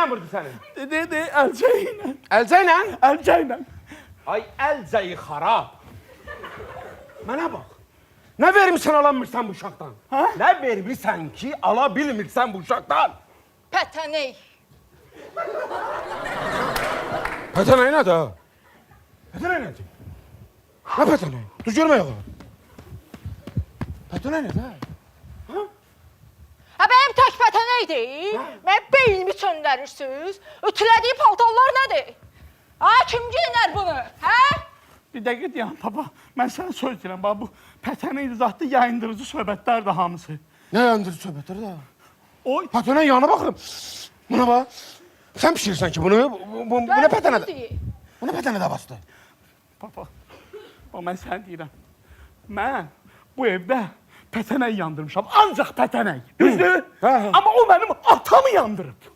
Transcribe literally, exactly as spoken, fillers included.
yanmırdı sənin? De, de, əlcə ilə. Əlcə ilə? Əlcə ilə. Ay əlcəyi xarab. Mənə bax. Nə vermirsən alamırsan bu uşaqdan? Hə? Nə vermirsən ki, ala bilmirsən bu uşaqdan? Pətəney. Pətənəy nədir? Pətənəy nədir? Nə pətənəy? Düz görmək olar. Pətənəy nədir? Ha, benim tək pətəneydir. Mən beynimi çöndərirsiniz. Ütülədiyi paltarlar nədir? Ha, kim giyinər bunu? Hə? Bir dəqiqə deyəm, baba. Mən sənə söz deyirəm, baba, bu pətənəy zatlı yayındırıcı söhbətlər də hamısı. Nə yandırıcı söhbətlər də? Oy, Pətənəy yanına baxırım. Buna bax. Sən pişirirsən ki bunu. Bu, bu, bu, bu nə pətənədir? Bu nə pətənə davasıdır? baba, baba, mən sənə deyirəm. Mən bu evdə pətənəy yandırmışam, ancaq pətənəy. Düzdür? Hə, hə. Amma o mənim atamı yandırıb.